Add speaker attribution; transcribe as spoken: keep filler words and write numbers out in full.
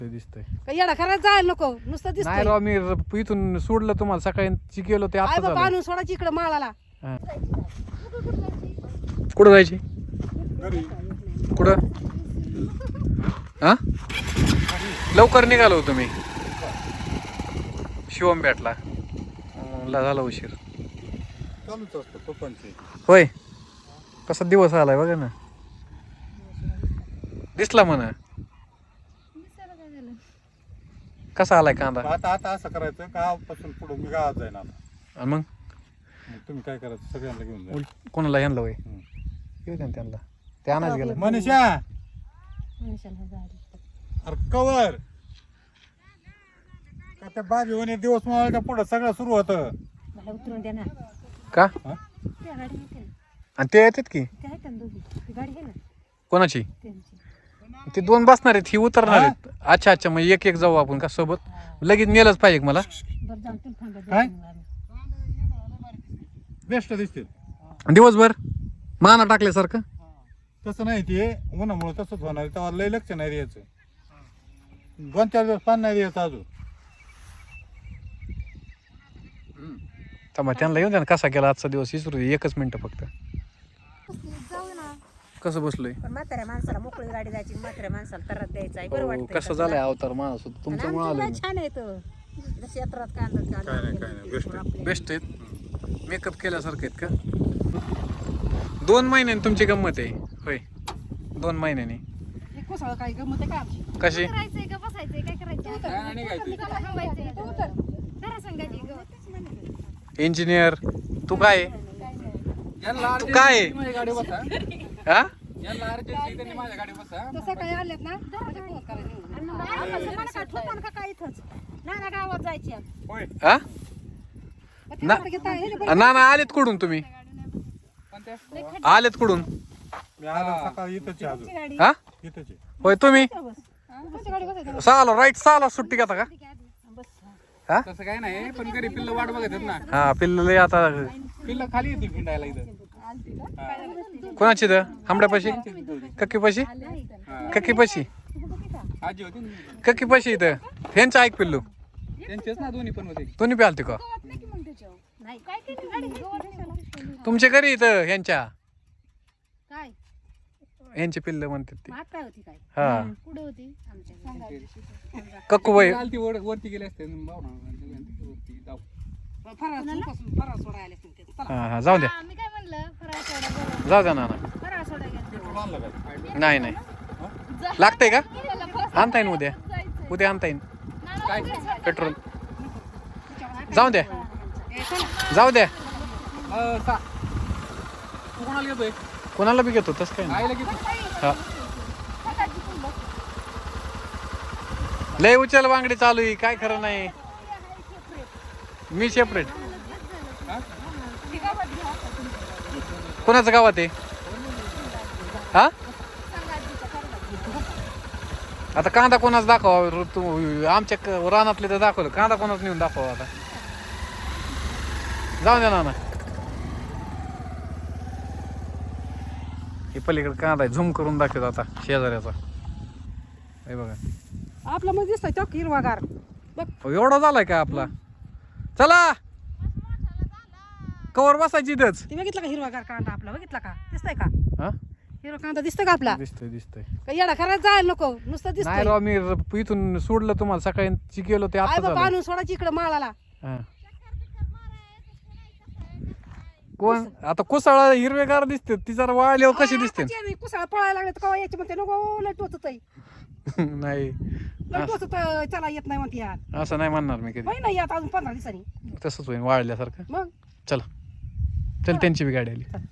Speaker 1: दिसतंय
Speaker 2: का येडा खरंच जायला नको नुसतं
Speaker 1: नाही
Speaker 2: दिसतंय
Speaker 1: राव मी र- इथून सोडलं तुम्हाला सकाळी गेलो ते
Speaker 2: आई
Speaker 1: आता
Speaker 2: बाबा
Speaker 1: झालं
Speaker 2: आणून सोडायची इकडे माळाला
Speaker 1: हा. कुठं जायची कुठं हा लवकर निघालो तुम्ही शिवम भेटला अं, ला झाला उशीर
Speaker 3: चालूच असतं पप्पांचे.
Speaker 1: होय कसा दिवस आलाय बघा ना दिसला म्हणा कसा आलाय कांदा
Speaker 3: आता आता असं करायचं गावापासून पुढे मी गावात जाईन आता.
Speaker 1: आणि मग
Speaker 3: मग तुम्ही काय करायचं सगळ्यांना घेऊन जा.
Speaker 1: उल- कोणाला ह्यांना होय
Speaker 3: हम्म.
Speaker 1: येऊ द्या ना त्यांना ते आणायच गेलं
Speaker 3: मनीषा अरे कवर का त्या बाजी होणे दिवस मावळच्या पुढे सगळं सुरू होतं.
Speaker 2: मला उतरून द्या ना
Speaker 1: का
Speaker 3: हा?
Speaker 2: त्या गाडी येते ना
Speaker 1: आणि ते येतात की
Speaker 2: ते आहेत ना दोघी ती गाडी आहे ना
Speaker 1: कोणाची
Speaker 2: त्यांची
Speaker 1: ते दोन बसणार आहेत ही उतरणार आहेत अच्छा अच्छा मग एक एक जाऊ आपण का सोबत लगेच नेलंच पाहिजे का मला
Speaker 2: बरं जाऊन तुम्ही थांबा
Speaker 3: काय?
Speaker 2: देतो मग आम्ही.
Speaker 3: बेस्ट दिसतील.
Speaker 1: दिवसभर माना टाकल्यासारखं
Speaker 3: तसं नाही ते उन्हामुळे तसंच होणार तेव्हा लय लक्ष नाही द्यायचं दोन चार दिवस पाणी नाही द्यायचं अजून.
Speaker 1: थांबा त्यांना येऊन द्या ना कसा गेला आजचा दिवस विसरू दे एकच मिनिट फक्त
Speaker 2: जाऊ ना
Speaker 1: कसं बसलोय
Speaker 2: पण म्हाताऱ्या माणसाला मोकळी गाडी जायची म्हाताऱ्या माणसाला तरच द्यायचा आहे बरं
Speaker 1: हो,
Speaker 2: वाटतं
Speaker 1: कसं झालंय अवतार माणूस तुमच्यामुळे आलोय
Speaker 2: छान आहे तो क्षेत्रात कांदा
Speaker 3: काय नाही काय नाही बेस्ट आहे.
Speaker 1: बेस्ट आहेत मेकअप केल्यासारखे आहेत का दोन महिन्यांनी तुमची गंमत आहे होय दोन महिन्यांनी
Speaker 2: कोसळ काय गमत आहे का आमची
Speaker 1: कशी
Speaker 4: करायचंय का बसायचंय काय करायचं थांबायचंय जरा सांगायची ग
Speaker 1: इंजिनियर तू काय तू काय हा
Speaker 2: तसं काय आलेत ना काय इथंच नाना गावात जायची
Speaker 3: होय
Speaker 1: हा ना ना ना आलेत कुठून तुम्ही आलेत कुठून
Speaker 3: मी आलो सकाळी इथंच आहे अजून
Speaker 1: हा
Speaker 3: इथंच आहे.
Speaker 1: होय तुम्ही सहाला राईट सहाला सुट्टी घेता का हा
Speaker 5: तसं काय नाही पण घरी पिल्ल वाट बघत आहेत ना
Speaker 1: हा पिल्ले आता
Speaker 5: पिल्ल खाली येते फिंडायला इथं
Speaker 1: कोणाची द आंबड्यापाशी कक्की पाशी कक्की पाशी
Speaker 5: आजी होती ना.
Speaker 1: कक्की पाशी इथं ह्यांचं ऐक पिल्लू
Speaker 5: त्यांचेच ना दोन्ही पण होते
Speaker 1: तुम्ही बी आलते का तुमच्या घरी इथं ह्यांच्या
Speaker 2: काय
Speaker 1: ह्यांची पिल्ल म्हणतात ते
Speaker 2: मात काय होती काय
Speaker 1: हा
Speaker 4: कुठे होती
Speaker 1: कक्कू बाई
Speaker 5: आलती वर वरती गेले असते भावना वरती जाऊ
Speaker 2: फराळ फराळ सोडायला आले असतील ते.
Speaker 1: हा हा जाऊ द्या
Speaker 4: हा, मी काय म्हणलं फराळ सोडा बरोबर
Speaker 1: जाऊ द्या नाना
Speaker 4: फराळ सोडा घ्या
Speaker 3: पेट्रोल आणलं काय
Speaker 1: नाही नाही लागतंय का आणता येईन उद्या उद्या आणता येईन
Speaker 5: काय
Speaker 1: पेट्रोल जाऊ द्या जाऊ द्या
Speaker 5: अं, सा- तू कोणाला घेतोय
Speaker 1: कोणाला बी घेतो तसं काय नाही
Speaker 5: आईला घेतो
Speaker 1: हा लय उचल बांगडी चालू आहे काय खरं नाही मी सेपरेट कोणाचं गावात आहे हा आता कांदा कोणाच दाखवा तू आमच्या क- रानातले तर दाखवलं कांदा कोणाच नेऊन दाखवा आता जाऊ द्या ना हे पलीकडे कांदा आहे झूम करून दाखवतो आता शेजाऱ्याचा हे बघा
Speaker 2: आपला मग दिसतोय चौक हिरवागार बघ
Speaker 1: अहो, एवढा झालाय का आपला चला कवर बसायची इथंच
Speaker 2: ते बघितलं का हिरवागार कांदा आपला बघितला का दिसतंय का
Speaker 1: हा
Speaker 2: हिरवा कांदा दिसतोय का आपला
Speaker 1: दिसतोय दिसतोय
Speaker 2: का येडा खरंच जायला नको नुसतं
Speaker 1: नाही
Speaker 2: दिसतंय
Speaker 1: राव मी र- इथून सोडलं तुम्हाला सकाळी गेलो ते
Speaker 2: आई
Speaker 1: आता
Speaker 2: बाबा
Speaker 1: झालं
Speaker 2: आणून सोडायची इकडे माळाला
Speaker 1: हा. कोण आता कुसाळा हिरवेगार दिसते ती जरा वाळल्यावर कशी दिसते
Speaker 2: कुसाळा पळायला लागले तर कवा यायचे म्हणते नको लय टोचत
Speaker 1: नाही
Speaker 2: लय टोचत चला येत नाही म्हणते यार
Speaker 1: असं नाही म्हणणार मी कधी
Speaker 2: होय नाही आता अजून पंधरा दिवसांनी
Speaker 1: तसंच होईल वाळल्यासारखं
Speaker 2: मग
Speaker 1: चला चल त्यांची बी गाडी आली